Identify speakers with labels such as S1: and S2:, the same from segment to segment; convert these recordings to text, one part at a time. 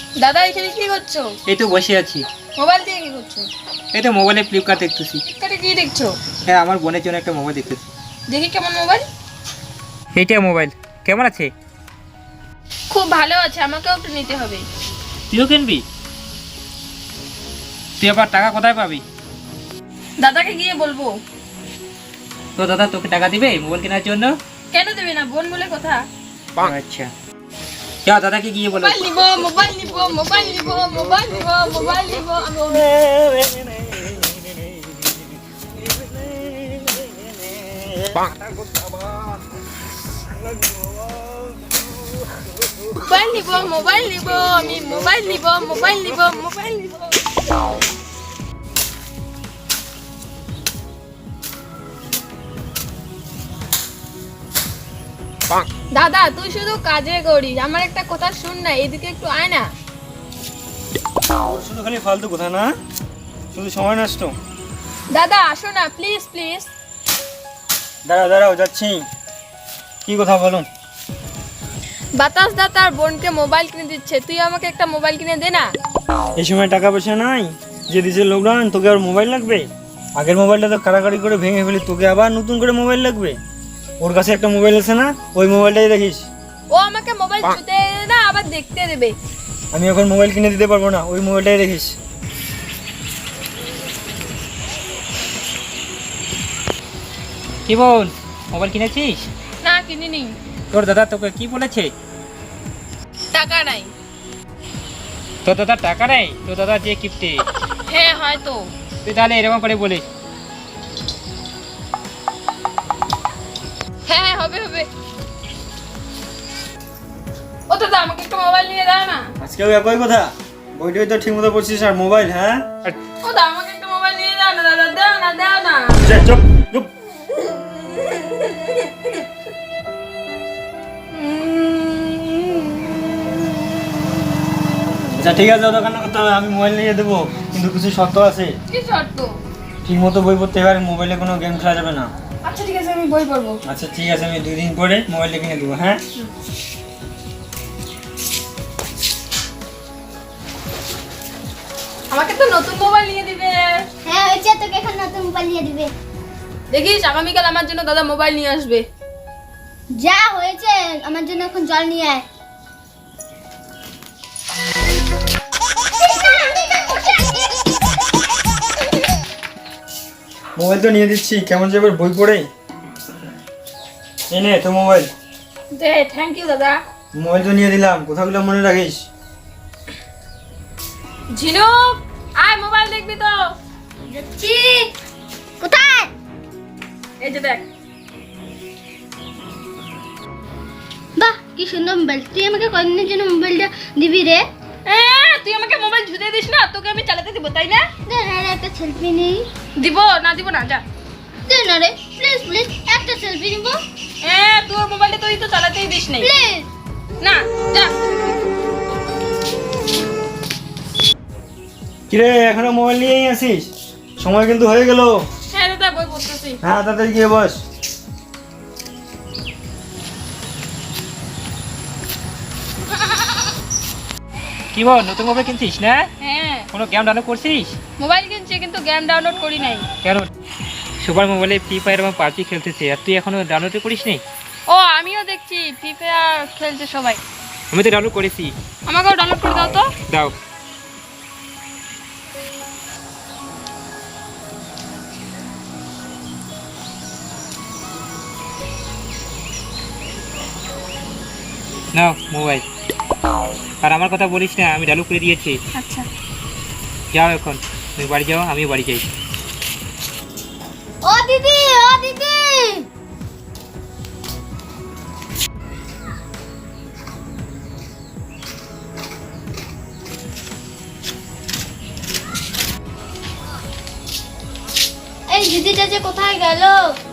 S1: দাদা এখানে কি করছো?
S2: এই তো বসে আছি।
S1: মোবাইল দিয়ে কি করছো?
S2: এই তো মোবাইলে ফ্লিপকার্ট দেখতেছি।
S1: ফ্লিপকার্টে কি দেখছো?
S2: হ্যাঁ, আমার বোনের জন্য একটা মোবাইল দেখতেছি।
S1: দেখি কেমন মোবাইল?
S2: এইটা মোবাইল কেমন আছে?
S1: খুব ভালো আছে, আমাকেও একটু নিতে হবে।
S2: তুইও কিনবি? তুই আবার টাকা কোথায় পাবি?
S1: দাদাকে গিয়ে বলবো।
S2: তো দাদা তোকে টাকা দিবে মোবাইল কেনার জন্য?
S1: কেন দেবে না, বোন বলে কথা।
S2: আচ্ছা, যা দাদাকে গিয়ে বলো।
S1: মোবাইল নিব, মোবাইল নিব, মোবাইল নিব, মোবাইল নিব, মোবাইল নিব। মোবাইল নিব, মোবাইল নিব, আমি মোবাইল নিব, মোবাইল নিব, মোবাইল নিব। দাদা তুই শুধু কাজে করিস, আমার একটা কথা শুন না, এদিকে একটু আয় না।
S3: শুধু খালি ফালতু কথা না, শুধু সময় নষ্ট।
S1: দাদা আসো না প্লিজ প্লিজ।
S3: দাঁড়াও যাচ্ছি। কি কথা বলো?
S1: বাতাস দা তার বোনকে মোবাইল কিনে দিচ্ছে, তুই আমাকে একটা মোবাইল কিনে দে না।
S3: এই সময় টাকা পয়সা নাই, যে দিছে লকডাউন, তোকে আর মোবাইল লাগবে? আগের মোবাইলটা তো কাড়াকাড়ি করে ভেঙে ফেলি, তোকে আবার নতুন করে মোবাইল লাগবে? ওর কাছে একটা মোবাইল আছে না, ওই মোবাইলটাই দেখিস।
S1: ও আমাকে মোবাইল ছুতে না, আবার দেখতে দেবে।
S3: আমি এখন মোবাইল কিনে দিতে পারবো না, ওই মোবাইলটাই দেখিস।
S2: কি বল, মোবাইল কিনেছিস?
S1: না কিনিনি।
S2: তোর দাদা তোকে কি বলেছে?
S1: টাকা নাই।
S2: তোর দাদা টাকা নেই? তোর দাদা যে কিপ্টে।
S1: হ্যাঁ হয়তো।
S2: তুই তাহলে এরকম করে বলিস?
S1: হ্যাঁ হ্যাঁ হবে হবে। ও দাদা আমাকে একটা মোবাইল নিয়ে দাও না।
S3: আজকেও একই কথা, বইটাই তো ঠিক মতো পড়ছিস আর মোবাইল? হ্যাঁ
S1: ও দাদা আমাকে একটা মোবাইল নিয়ে দাও না, দাদা দাও না দাও না।
S3: চুপ চুপ। আচ্ছা ঠিক আছে, দোকান করতে হবে, আমি মোবাইল নিয়ে দেবো, কিন্তু কিছু শর্ত আছে।
S1: কি শর্ত?
S3: ঠিক মতো বই পড়তে হবে, আর মোবাইলে কোনো গেম খেলা যাবে না।
S1: আচ্ছা ঠিক আছে, আমি বই পড়বো।
S3: আচ্ছা ঠিক আছে, আমি 2 দিন পরে মোবাইলটা কিনে দেবো। হ্যাঁ
S1: আমাকে তো নতুন মোবাইল নিয়ে দিবে।
S4: হ্যাঁ হয়েছে, তোকে এখন নতুন মোবাইল নিয়ে দিবে।
S1: দেখিস আগামীকাল আমার জন্য দাদা মোবাইল নিয়ে আসবে।
S4: যা হয়েছে, আমার জন্য এখন জল নিয়ে আয়।
S3: মোবাইল তো নিয়ে দিচ্ছি, কেমন যাবে বই পড়ে? এই নে তো মোবাইল।
S1: দে থ্যাংক ইউ দাদা।
S3: মোবাইল তো নিয়ে দিলাম, কথাগুলো মনে রাখিস।
S1: ঝিনুক আয় মোবাইল দেখবি তো।
S4: যাচ্ছি। কোথায়?
S1: এই যে দেখ।
S4: বাহ কি সুন্দর মোবাইল, তুই আমাকে কদিনের জন্য মোবাইলটা দিবি রে?
S1: তুই আমাকে মোবাইল ধুতে দিস না, তোকে আমি চালাতে দিব তাই না?
S4: দে না রে, একটা সেলফি নেই।
S1: দিব না যা।
S4: দে না রে প্লিজ প্লিজ, একটা সেলফি নিব
S1: তোর মোবাইলটা তুই তো চালাতেই দিস নাই।
S4: প্লিজ।
S1: না যা।
S3: কিরে এখনো মোবাইল নিয়েই আসিস? সময় কিন্তু হয়ে গেল।
S1: হ্যাঁ দাদা বই পড়তেছি।
S3: হ্যাঁ তাড়াতাড়ি গিয়ে বস।
S2: কি বল, নতুন মোবাইল কিনছিস না?
S1: হ্যাঁ
S2: কোনো গেম ডাউনলোড করছিস?
S1: মোবাইল কিনছি কিন্তু গেম ডাউনলোড করি নাই।
S2: কেন? সবার মোবাইলে ফ্রি ফায়ার এবং পাবজি খেলতেছে, আর তুই এখনো ডাউনলোড করিস নি?
S1: ও আমিও দেখছি ফ্রি ফায়ার খেলছে সবাই।
S2: আমি তো ডাউনলোড করেছি।
S1: আমাকেও ডাউনলোড করে দাও তো।
S2: দাও। নাও মোবাইল। আর আমার কথা বলিস না, আমি ডাউনলোড করে দিয়েছি।
S1: আচ্ছা
S2: যাও এখন, তুমি বাড়ি যাও, আমিও বাড়ি যাই।
S4: ও দিদি, ও দিদি। এই দিদিটা যে কোথায় গেল?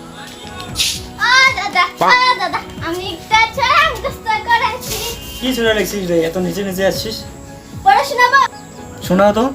S4: দাদা আমি একটা ছড়া মুখস্থ করেছি।
S3: কি শোনা লিখছিস রে, এত নিচে নিচে আসছিস?
S4: পড়ে শোনাবো?
S3: শোনাও তো।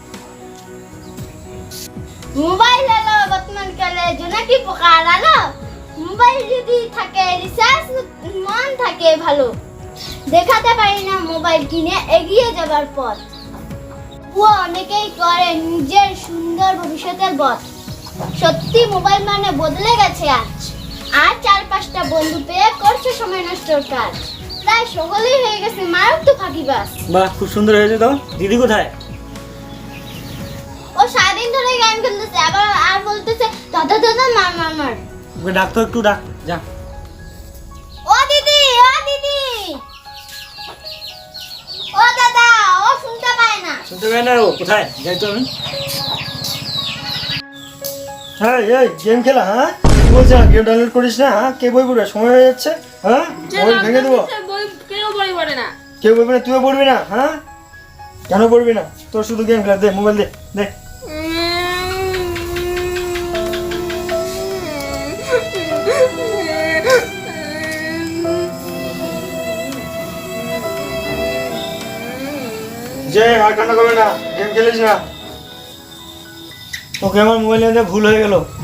S4: মোবাইল এলো বর্তমান কালে, জোনাকি পোকা আলো। মোবাইল যদি থাকে রিচার্জ, মন থাকে ভালো। দেখাতে পারি না মোবাইল কিনে এগিয়ে যাবার পথ। ও অনেকেই করে নিজের সুন্দর ভবিষ্যতের পথ। সত্যি মোবাইল মানে বদলে গেছে আজ। আর 4-5টা বন্ধু পেয়ে করছে সময় নষ্টর কাজ। তাই সকলেই হয়ে গেছে মারাত্মক ফাঁকিবাজ।
S3: বাহ, খুব সুন্দর হয়েছে তো। দিদি কোথায়?
S4: ও সারাদিন ধরে গেম খেলতেছে, আবার আর বলতেছে দাদা দাদা মার।
S3: ওকে ডাক তো, একটু ডাক, যা।
S4: ও দিদি, ও দিদি, ও দাদা, ও শুনতে পায় না।
S3: শুনতে পাই না, ও কোথায়? যাই তো আমি। হ্যাঁ, এই গেম খেলা? হ্যাঁ, কি বলছে? গেম ডাউনলোড করিস না? হ্যাঁ, কে বই পড়বে? সময় হয়ে যাচ্ছে। হ্যাঁ,
S1: যে
S3: মোবাইল ভেঙে দেবো।
S1: lockdown দিচ্ছে, বই কেউ বই পড়ে না।
S3: কেউ বলবে না, তুইও পড়বি না? হ্যাঁ, কেন পড়বি না? তোর শুধু গেম খেলা। দে মোবাইল, দে দে। যে আর কান্না করবে না, গেম খেলিস না। তোকে আমার মোবাইল নিয়ে ভুল হয়ে গেল।